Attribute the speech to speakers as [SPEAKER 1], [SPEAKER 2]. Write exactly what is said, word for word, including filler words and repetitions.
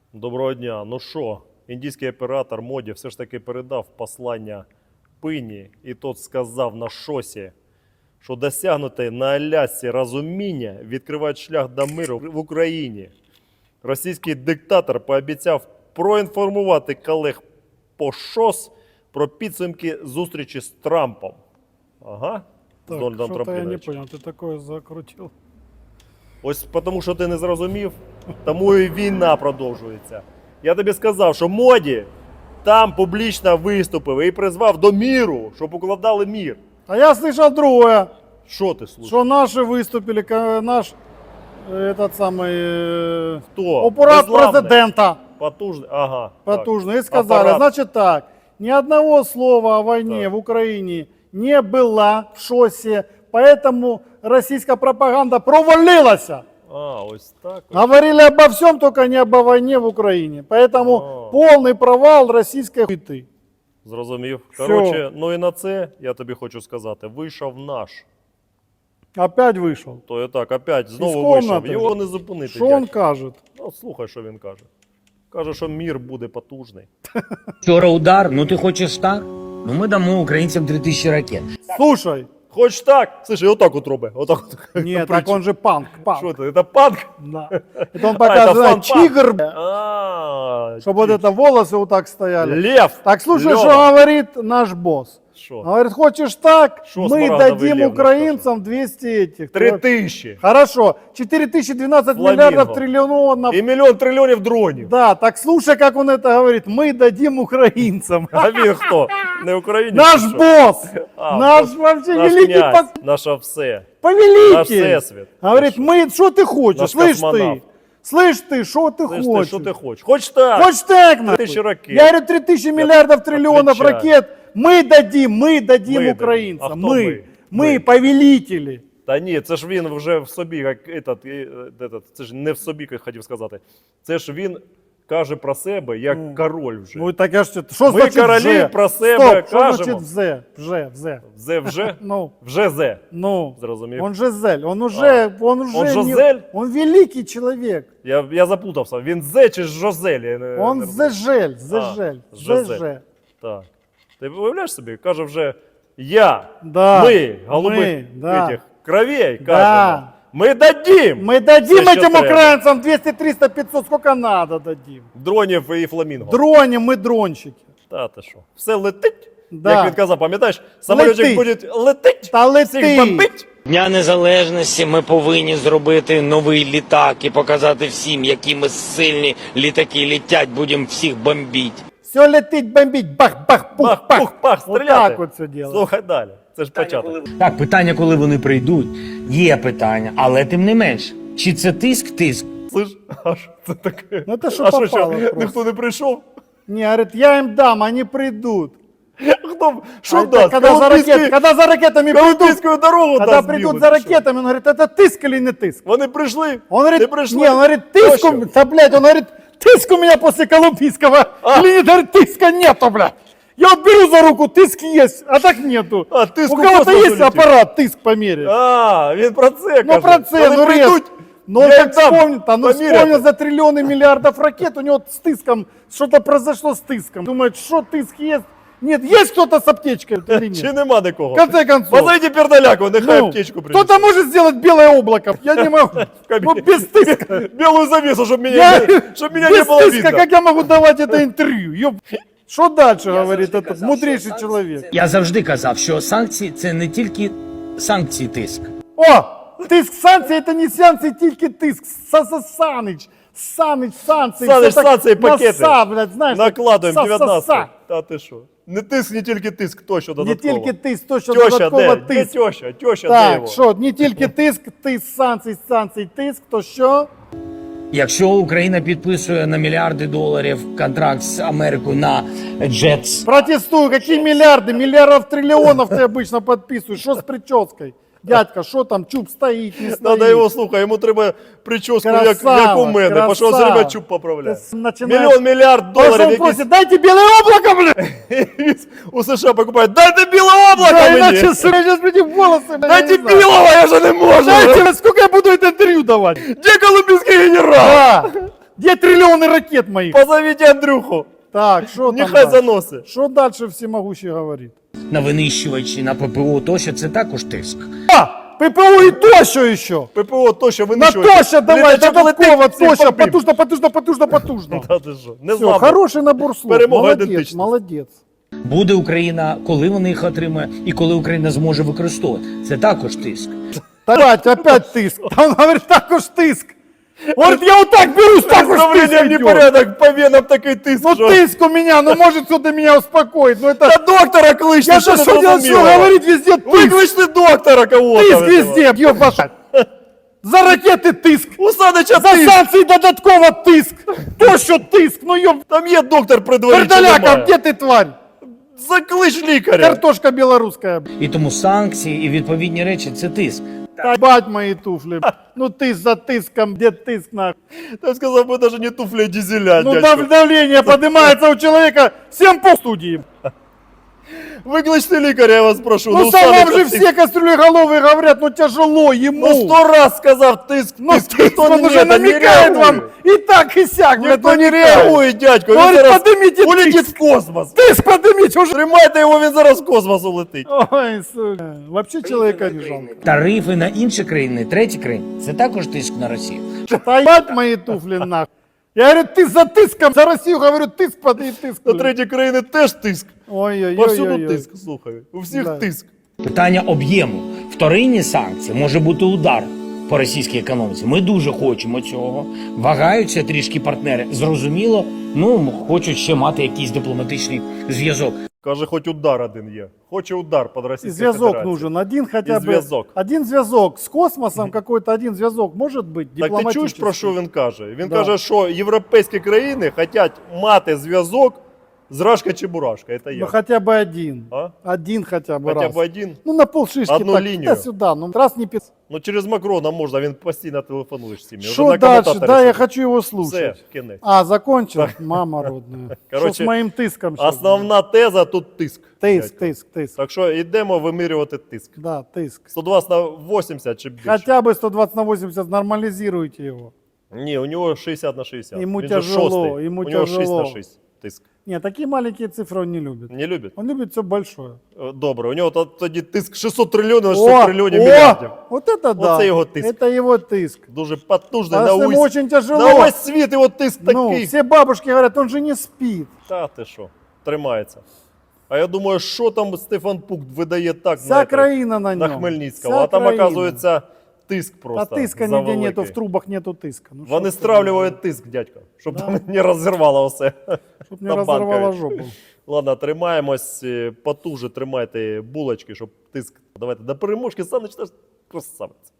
[SPEAKER 1] Доброго дня. Ну що, індійський оператор Моді все ж таки передав послання Пині, і тот сказав на шосі, що досягнуте на Алясці розуміння відкриває шлях до миру в Україні. Російський диктатор пообіцяв проінформувати колег по ШОС про підсумки зустрічі з Трампом. Ага.
[SPEAKER 2] Так,
[SPEAKER 1] з Дональдом
[SPEAKER 2] что-то я не
[SPEAKER 1] Трампіновичем.
[SPEAKER 2] понял, ты такое закрутил.
[SPEAKER 1] Ось тому, що ти не зрозумів, тому і війна продовжується. Я тобі сказав, що Моді там публічно виступив і призвав до міру, щоб укладали мір.
[SPEAKER 2] А я слышал другое,
[SPEAKER 1] Що ти слухаєш?
[SPEAKER 2] что наши выступили, ка- наш э, этот самый э,
[SPEAKER 1] Хто?
[SPEAKER 2] аппарат
[SPEAKER 1] Безглавний?
[SPEAKER 2] президента
[SPEAKER 1] Потужний? Ага. так.
[SPEAKER 2] потужный. И сказали,
[SPEAKER 1] Аппарат.
[SPEAKER 2] значит так, ни одного слова о войне
[SPEAKER 1] Так.
[SPEAKER 2] в Украине не было в ШОСе, поэтому российская пропаганда провалилась.
[SPEAKER 1] А, ось так. ось.
[SPEAKER 2] Говорили обо всем, только не обо войне в Украине. Поэтому
[SPEAKER 1] А.
[SPEAKER 2] полный провал российской хуйты.
[SPEAKER 1] Зрозумів.
[SPEAKER 2] Всьо.
[SPEAKER 1] Коротше, ну і на це, я тобі хочу сказати, вийшов наш.
[SPEAKER 2] Опять вышел.
[SPEAKER 1] То і так, опять знову
[SPEAKER 2] Із
[SPEAKER 1] вийшов.
[SPEAKER 2] комнати.
[SPEAKER 1] Його не зупинити.
[SPEAKER 2] Что он
[SPEAKER 1] дядько.
[SPEAKER 2] кажет?
[SPEAKER 1] Ну, слухай, що він каже. Каже, що мір буде потужний.
[SPEAKER 3] Вчора удар, ну ти хочеш так? Ну ми дамо українцям три тисячі ракет.
[SPEAKER 2] Слушай,
[SPEAKER 1] Хоч так? Слушай, отак от роби. Отак от.
[SPEAKER 2] нет, так он же панк, панк.
[SPEAKER 1] Що це? Це панк?
[SPEAKER 2] Да. Это он
[SPEAKER 1] А,
[SPEAKER 2] показывает
[SPEAKER 1] это фан-панк.
[SPEAKER 2] тигр, б***ь,
[SPEAKER 1] А,
[SPEAKER 2] чтобы вот это волосы вот так стояли.
[SPEAKER 1] Лев.
[SPEAKER 2] Так слушай,
[SPEAKER 1] Лёва.
[SPEAKER 2] что говорит наш босс.
[SPEAKER 1] Що?
[SPEAKER 2] Говорит, хочешь так,
[SPEAKER 1] Шо
[SPEAKER 2] мы
[SPEAKER 1] смарагдовый
[SPEAKER 2] дадим
[SPEAKER 1] лев
[SPEAKER 2] украинцам двести этих.
[SPEAKER 1] Три тисячі.
[SPEAKER 2] Хорошо, четыре тысячи двенадцать
[SPEAKER 1] Фламинго.
[SPEAKER 2] миллиардов триллионов.
[SPEAKER 1] І мільйон трильйонів дронів.
[SPEAKER 2] Да, так слушай, как он это говорит, мы дадим украинцам.
[SPEAKER 1] А він хто? Не Українець?
[SPEAKER 2] Наш
[SPEAKER 1] чи що?
[SPEAKER 2] босс,
[SPEAKER 1] А,
[SPEAKER 2] наш
[SPEAKER 1] босс.
[SPEAKER 2] вообще
[SPEAKER 1] Наш
[SPEAKER 2] великий
[SPEAKER 1] князь,
[SPEAKER 2] пос-
[SPEAKER 1] наше все.
[SPEAKER 2] повелитель.
[SPEAKER 1] Наш всесвіт.
[SPEAKER 2] Говорит, мы, что ты хочешь,
[SPEAKER 1] Наш
[SPEAKER 2] слышь
[SPEAKER 1] космонавт.
[SPEAKER 2] ты, слышь ты, что ты
[SPEAKER 1] Слышь, ти,
[SPEAKER 2] хочешь?
[SPEAKER 1] що ти хочеш? Хоч так.
[SPEAKER 2] Хочешь так,
[SPEAKER 1] Три
[SPEAKER 2] нахуй?
[SPEAKER 1] тисячі ракет.
[SPEAKER 2] Я говорю, три тысячи миллиардов триллионов
[SPEAKER 1] Отвечаю.
[SPEAKER 2] ракет мы дадим, мы дадим
[SPEAKER 1] Мы
[SPEAKER 2] украинцам,
[SPEAKER 1] дадим. А кто
[SPEAKER 2] мы,
[SPEAKER 1] мы?
[SPEAKER 2] мы,
[SPEAKER 1] Мы.
[SPEAKER 2] повелители.
[SPEAKER 1] Та ні, це ж він вже в собі, як этот, і, е, этот, це ж не в собі, як хотів сказати. Це ж він каже про себе як король вже.
[SPEAKER 2] Ну так я ж, что
[SPEAKER 1] Мы
[SPEAKER 2] значит
[SPEAKER 1] короли
[SPEAKER 2] вже?
[SPEAKER 1] про себя
[SPEAKER 2] Стоп, что
[SPEAKER 1] кажемо.
[SPEAKER 2] значит взе, вже, взе?
[SPEAKER 1] Зе вже?
[SPEAKER 2] Ну,
[SPEAKER 1] Вже зе.
[SPEAKER 2] ну,
[SPEAKER 1] Зрозумів.
[SPEAKER 2] он же зель, он уже, он уже,
[SPEAKER 1] Он
[SPEAKER 2] не-
[SPEAKER 1] Жизель?
[SPEAKER 2] он великий человек.
[SPEAKER 1] Я, я запутався. Він зе чи Жозель? Я не,
[SPEAKER 2] Он
[SPEAKER 1] не розумію.
[SPEAKER 2] зежель, зежель,
[SPEAKER 1] Жизель.
[SPEAKER 2] зежель.
[SPEAKER 1] Так. Ти уявляєш собі? Каже вже я,
[SPEAKER 2] Да,
[SPEAKER 1] ми, голубих
[SPEAKER 2] ми, да.
[SPEAKER 1] этих, кровей,
[SPEAKER 2] Да.
[SPEAKER 1] кажемо. Ми дадим
[SPEAKER 2] Мы дадим
[SPEAKER 1] все, що
[SPEAKER 2] этим
[SPEAKER 1] треба.
[SPEAKER 2] украинцам двести, триста, пятьсот, сколько надо дадим.
[SPEAKER 1] Дронів і фламінго.
[SPEAKER 2] Дроним мы дрончики.
[SPEAKER 1] Та ти що? Все летить?
[SPEAKER 2] Да.
[SPEAKER 1] Як він казав, пам'ятаєш? Самолітик
[SPEAKER 2] Летить.
[SPEAKER 1] буде летить,
[SPEAKER 2] Та
[SPEAKER 1] всіх
[SPEAKER 2] летить.
[SPEAKER 1] бомбить.
[SPEAKER 3] Дня Незалежності ми повинні зробити новий літак і показати всім, які ми сильні літаки літять, будемо всіх бомбити.
[SPEAKER 2] Все летит, бомбить, бах, бах, пух,
[SPEAKER 1] Бах,
[SPEAKER 2] пах.
[SPEAKER 1] пух, пах,
[SPEAKER 2] Вот
[SPEAKER 1] стріляти.
[SPEAKER 2] так вот все дело.
[SPEAKER 1] Слухай далі. Це ж початок.
[SPEAKER 3] Так, питання, коли вони прийдуть, є питання, але тим не менш, чи це тиск-тиск?
[SPEAKER 1] Слиш, а що це таке?
[SPEAKER 2] Ну, це що
[SPEAKER 1] а що,
[SPEAKER 2] попало
[SPEAKER 1] що,
[SPEAKER 2] просто.
[SPEAKER 1] ніхто не прийшов?
[SPEAKER 2] Не, говорит, я им дам, они придут.
[SPEAKER 1] Хто, що
[SPEAKER 2] А это
[SPEAKER 1] дасть?
[SPEAKER 2] когда, за
[SPEAKER 1] Колумбійський-
[SPEAKER 2] ракет, когда за ракетами придут,
[SPEAKER 1] Колумбійську дорогу
[SPEAKER 2] когда
[SPEAKER 1] дасть
[SPEAKER 2] придут
[SPEAKER 1] білу,
[SPEAKER 2] за
[SPEAKER 1] чи що?
[SPEAKER 2] ракетами, он говорит, это тыск или не тыск?
[SPEAKER 1] Вони прийшли?
[SPEAKER 2] Он говорит,
[SPEAKER 1] Ти прийшли?
[SPEAKER 2] не, он говорит, тыск,
[SPEAKER 1] Точно?
[SPEAKER 2] у- да, блядь, он говорит, тыск у меня после колумбийского.
[SPEAKER 1] А.
[SPEAKER 2] Или нет, говорит, тыска нету, блядь. Я вот беру за руку, тыск есть, а так нету.
[SPEAKER 1] А, тыск
[SPEAKER 2] у
[SPEAKER 1] у
[SPEAKER 2] кого-то
[SPEAKER 1] космосу
[SPEAKER 2] есть
[SPEAKER 1] летит.
[SPEAKER 2] аппарат, тыск померить.
[SPEAKER 1] А, він про це
[SPEAKER 2] Ну,
[SPEAKER 1] каже.
[SPEAKER 2] про це,
[SPEAKER 1] Вони
[SPEAKER 2] ну, рез.
[SPEAKER 1] прийдуть,
[SPEAKER 2] Ну,
[SPEAKER 1] я
[SPEAKER 2] он
[SPEAKER 1] їм
[SPEAKER 2] так
[SPEAKER 1] дам
[SPEAKER 2] вспомнит, а ну
[SPEAKER 1] поміряти.
[SPEAKER 2] вспомнил за триллионы миллиардов ракет, у него с тыском, что-то произошло с тыском. Думает, что тыск есть? Нет, есть кто-то с аптечкой или
[SPEAKER 1] Чи
[SPEAKER 2] нет?
[SPEAKER 1] нема нікого?
[SPEAKER 2] В конце концов.
[SPEAKER 1] Позовите пердаляку, нехай
[SPEAKER 2] Ну,
[SPEAKER 1] аптечку принесе.
[SPEAKER 2] кто-то может сделать белое облако, я не могу. Ну, без тыска.
[SPEAKER 1] Белую завесу, чтобы меня,
[SPEAKER 2] Я-
[SPEAKER 1] чтобы меня не
[SPEAKER 2] Без
[SPEAKER 1] было
[SPEAKER 2] тыска,
[SPEAKER 1] видно.
[SPEAKER 2] как я могу давать это интервью? Ёб- Что дальше, говорит этот мудрейший человек?
[SPEAKER 3] Я завжди казав, що санкції це не тільки санкції тиск.
[SPEAKER 2] О, тиск санкції, это не санкції, тільки тиск. Са-са- Санич, Санич, санкції.
[SPEAKER 1] Санич,
[SPEAKER 2] все так
[SPEAKER 1] санкції, пакети.
[SPEAKER 2] наса, блядь, знаєш,
[SPEAKER 1] Накладуємо
[SPEAKER 2] са-са-са.
[SPEAKER 1] дев'ятнадцять. Та ти що? Не тиск, не тільки тиск, точно
[SPEAKER 2] Не
[SPEAKER 1] додатково.
[SPEAKER 2] тільки тиск, то що
[SPEAKER 1] Тьоща,
[SPEAKER 2] додатково
[SPEAKER 1] де? Де
[SPEAKER 2] тиск.
[SPEAKER 1] тьоща? Тьоща, де
[SPEAKER 2] Так,
[SPEAKER 1] його?
[SPEAKER 2] що, не тільки тиск, тиск, санкцій, санкцій, тиск, то що?
[SPEAKER 3] Якщо Україна підписує на мільярди доларів контракт з Америкою на джетс,
[SPEAKER 2] Протестую, какие миллиарды, миллиардов, триллионов ты обычно подписываешь, что с прической? Дядька, що там, чуб стоїть, не стоїть?
[SPEAKER 1] Надо його, слухай, йому треба прическу, як,
[SPEAKER 2] Красава,
[SPEAKER 1] як у мене,
[SPEAKER 2] красава.
[SPEAKER 1] пішов все время чуб поправляє.
[SPEAKER 2] Ти починаєш-
[SPEAKER 1] Мільйон, мільярд
[SPEAKER 2] Потому что
[SPEAKER 1] доларів
[SPEAKER 2] он
[SPEAKER 1] якісь
[SPEAKER 2] просит, дайте белое облако, блядь!
[SPEAKER 1] у США покупають. Дайте біле облако
[SPEAKER 2] Да,
[SPEAKER 1] мені!
[SPEAKER 2] иначе сейчас мне волосы, блядь,
[SPEAKER 1] Дайте
[SPEAKER 2] я не знаю.
[SPEAKER 1] білого, я вже не можу!
[SPEAKER 2] Дайте, сколько я буду это интервью давать?
[SPEAKER 1] Де колумбійський генерал?
[SPEAKER 2] Да, Где триллионы ракет моих?
[SPEAKER 1] Позовіть Андрюху,
[SPEAKER 2] Так, что там
[SPEAKER 1] нехай
[SPEAKER 2] дальше?
[SPEAKER 1] заносить.
[SPEAKER 2] Что дальше всемогущий говорит?
[SPEAKER 3] на винищувачі, на ППО тощо, це також тиск.
[SPEAKER 2] А, ППО и тоща еще.
[SPEAKER 1] ППО то, що
[SPEAKER 2] На
[SPEAKER 1] винищує.
[SPEAKER 2] тоща давай,
[SPEAKER 1] Літачок
[SPEAKER 2] додатково,
[SPEAKER 1] летить, всіх
[SPEAKER 2] тоща,
[SPEAKER 1] побив.
[SPEAKER 2] потужно, потужно, потужно, потужно.
[SPEAKER 1] Та ти що, не
[SPEAKER 2] Все,
[SPEAKER 1] знав.
[SPEAKER 2] хороший набор слов.
[SPEAKER 1] Перемога
[SPEAKER 2] Молодец,
[SPEAKER 1] ідентичності.
[SPEAKER 2] молодец.
[SPEAKER 3] Буде Україна, коли вони їх отримає, і коли Україна зможе використовувати. Це також тиск.
[SPEAKER 2] Опять, опять тыск. Он говорит, також тыск. Вот я вот так берусь, також
[SPEAKER 1] Со
[SPEAKER 2] тыск
[SPEAKER 1] временем
[SPEAKER 2] идет.
[SPEAKER 1] непорядок, по венам такий тиск.
[SPEAKER 2] Ну
[SPEAKER 1] що-
[SPEAKER 2] тыск у меня, ну может кто-то меня успокоит. Ну это...
[SPEAKER 1] Та доктора кличте,
[SPEAKER 2] Я
[SPEAKER 1] що
[SPEAKER 2] же
[SPEAKER 1] не
[SPEAKER 2] что делать, что
[SPEAKER 1] зрозуміло.
[SPEAKER 2] говорить везде тыск.
[SPEAKER 1] Викличте доктора кого-то.
[SPEAKER 2] Тыск
[SPEAKER 1] этого.
[SPEAKER 2] везде, ёбаша. За ракети тиск.
[SPEAKER 1] У Санича
[SPEAKER 2] За
[SPEAKER 1] тиск.
[SPEAKER 2] санкції додатково тиск. То що тиск, ну ёб...
[SPEAKER 1] Там є доктор при дворі, чи
[SPEAKER 2] Пердаляка,
[SPEAKER 1] немає?
[SPEAKER 2] где ти тварь?
[SPEAKER 1] Заклич лікаря.
[SPEAKER 2] Картошка білоруська.
[SPEAKER 3] І тому санкції і відповідні речі це тиск.
[SPEAKER 2] Та бать мої туфлі. Ну тиск за тиском, де тиск на...
[SPEAKER 1] Там сказав, ми навіть не туфлі, а дизеля,
[SPEAKER 2] Ну
[SPEAKER 1] дядько.
[SPEAKER 2] дав- давление поднимается у человека всем по студии.
[SPEAKER 1] Викличте лікаря, я вас прошу.
[SPEAKER 2] Ну
[SPEAKER 1] у
[SPEAKER 2] сам вам
[SPEAKER 1] Санича
[SPEAKER 2] же
[SPEAKER 1] тиск.
[SPEAKER 2] все кастрюлеголовые говорят, ну тяжело ему.
[SPEAKER 1] Ну сто раз сказав тиск,
[SPEAKER 2] Ну,
[SPEAKER 1] тиск,
[SPEAKER 2] тиск,
[SPEAKER 1] ніхто
[SPEAKER 2] он
[SPEAKER 1] не,
[SPEAKER 2] уже
[SPEAKER 1] не
[SPEAKER 2] намекает
[SPEAKER 1] реагує.
[SPEAKER 2] вам и так, и сяк. блядь,
[SPEAKER 1] Ніхто не
[SPEAKER 2] намекает.
[SPEAKER 1] реагує, дядько. Він
[SPEAKER 2] Говорит,
[SPEAKER 1] зараз
[SPEAKER 2] поднимите
[SPEAKER 1] улетить
[SPEAKER 2] тиск.
[SPEAKER 1] в космос.
[SPEAKER 2] Тиск поднимите уже.
[SPEAKER 1] Тримайте його, він зараз в космос улетить.
[SPEAKER 2] Ой, сука. Вообще человека не жалко.
[SPEAKER 3] Тарифи на інші країни, треті країни це також тиск на Росію.
[SPEAKER 2] Стоять мои туфли нахуй. Я говорю, ты за тиском, за Россию говорю, тиск подай тиск.
[SPEAKER 1] На треті країни теж тиск.
[SPEAKER 2] Ой-ой-ой.
[SPEAKER 1] Повсюду тиск, слухай. У всіх
[SPEAKER 2] Да.
[SPEAKER 1] тиск.
[SPEAKER 3] Питання об'єму. Вторинні санкції може бути удар по російській економіці. Ми дуже хочемо цього. Вагаються трішки партнери. Зрозуміло, ну хочуть ще мати якийсь дипломатичний зв'язок.
[SPEAKER 1] Каже, хоч удар один є. Хоче удар під
[SPEAKER 2] И
[SPEAKER 1] Російською
[SPEAKER 2] зв'язок
[SPEAKER 1] Федерацією.
[SPEAKER 2] нужен, один хотя
[SPEAKER 1] И
[SPEAKER 2] бы.
[SPEAKER 1] зв'язок.
[SPEAKER 2] Один зв'язок. С космосом какой-то один зв'язок может быть
[SPEAKER 1] Так ти чуєш,
[SPEAKER 2] дипломатический.
[SPEAKER 1] про що він каже? Він
[SPEAKER 2] Да.
[SPEAKER 1] каже, що європейські країни хочуть мати зв'язок з Рашка-Чебурашка. Це
[SPEAKER 2] Ну
[SPEAKER 1] я.
[SPEAKER 2] хотя бы один.
[SPEAKER 1] А?
[SPEAKER 2] Один хотя бы
[SPEAKER 1] Хоча
[SPEAKER 2] раз.
[SPEAKER 1] б один.
[SPEAKER 2] Ну на полшишки
[SPEAKER 1] Одну
[SPEAKER 2] так,
[SPEAKER 1] линию.
[SPEAKER 2] сюда. Ну раз не пис...
[SPEAKER 1] Ну через Макрона можна, він постійно телефонує з цими. Вже
[SPEAKER 2] Что
[SPEAKER 1] на
[SPEAKER 2] дальше?
[SPEAKER 1] комутаторі
[SPEAKER 2] Да, я
[SPEAKER 1] сидить.
[SPEAKER 2] хочу его
[SPEAKER 1] Все,
[SPEAKER 2] слушать.
[SPEAKER 1] кінець.
[SPEAKER 2] А, закончил? Мама родная. Что
[SPEAKER 1] Короче,
[SPEAKER 2] с моим тиском щас
[SPEAKER 1] Основна теза тут тиск.
[SPEAKER 2] будет? Тиск,
[SPEAKER 1] дядько.
[SPEAKER 2] тиск, тиск.
[SPEAKER 1] Так що йдемо вимірювати тиск.
[SPEAKER 2] Да, тиск.
[SPEAKER 1] сто двадцять на вісімдесят чи більше?
[SPEAKER 2] Хотя бы сто двадцать на восемьдесят нормализируйте его.
[SPEAKER 1] Ні, у нього шістдесят на шістдесят.
[SPEAKER 2] Йому
[SPEAKER 1] Він же
[SPEAKER 2] тяжело,
[SPEAKER 1] шостий.
[SPEAKER 2] йому
[SPEAKER 1] у нього
[SPEAKER 2] тяжело.
[SPEAKER 1] шість на шість тиск.
[SPEAKER 2] Нет, такие маленькие цифры он не любит.
[SPEAKER 1] Не любить?
[SPEAKER 2] Он любит все большое.
[SPEAKER 1] Е, Добре, у нього то- тоді тиск шістсот трильйонів на шістсот трильйонів
[SPEAKER 2] о,
[SPEAKER 1] мільярдів.
[SPEAKER 2] вот это да.
[SPEAKER 1] Оце його тиск.
[SPEAKER 2] Это его тиск.
[SPEAKER 1] Дуже потужний
[SPEAKER 2] А
[SPEAKER 1] на
[SPEAKER 2] с ним
[SPEAKER 1] увесь,
[SPEAKER 2] очень тяжело.
[SPEAKER 1] на весь світ його тиск
[SPEAKER 2] Ну,
[SPEAKER 1] такий.
[SPEAKER 2] все бабушки говорят, он же не спит.
[SPEAKER 1] Та ти що, тримається. А я думаю, що там Стефан Пук видає так,
[SPEAKER 2] Вся
[SPEAKER 1] знаєте,
[SPEAKER 2] країна на
[SPEAKER 1] на
[SPEAKER 2] нем.
[SPEAKER 1] Хмельницького.
[SPEAKER 2] Вся
[SPEAKER 1] а там,
[SPEAKER 2] країна.
[SPEAKER 1] оказується, тиск
[SPEAKER 2] А
[SPEAKER 1] просто
[SPEAKER 2] тиска нигде
[SPEAKER 1] завеликий.
[SPEAKER 2] нету, в трубах нету тиска. Ну,
[SPEAKER 1] Вони
[SPEAKER 2] чтоб ты,
[SPEAKER 1] стравлюють тиск, дядько, щоб
[SPEAKER 2] Да.
[SPEAKER 1] там не розірвало все.
[SPEAKER 2] Чтоб не
[SPEAKER 1] на
[SPEAKER 2] разорвала
[SPEAKER 1] Банкові.
[SPEAKER 2] жопу.
[SPEAKER 1] Ладно, тримаємось, е, потуже тримайте булочки, щоб тиск. Давайте до переможки, Саныч, наш красавець.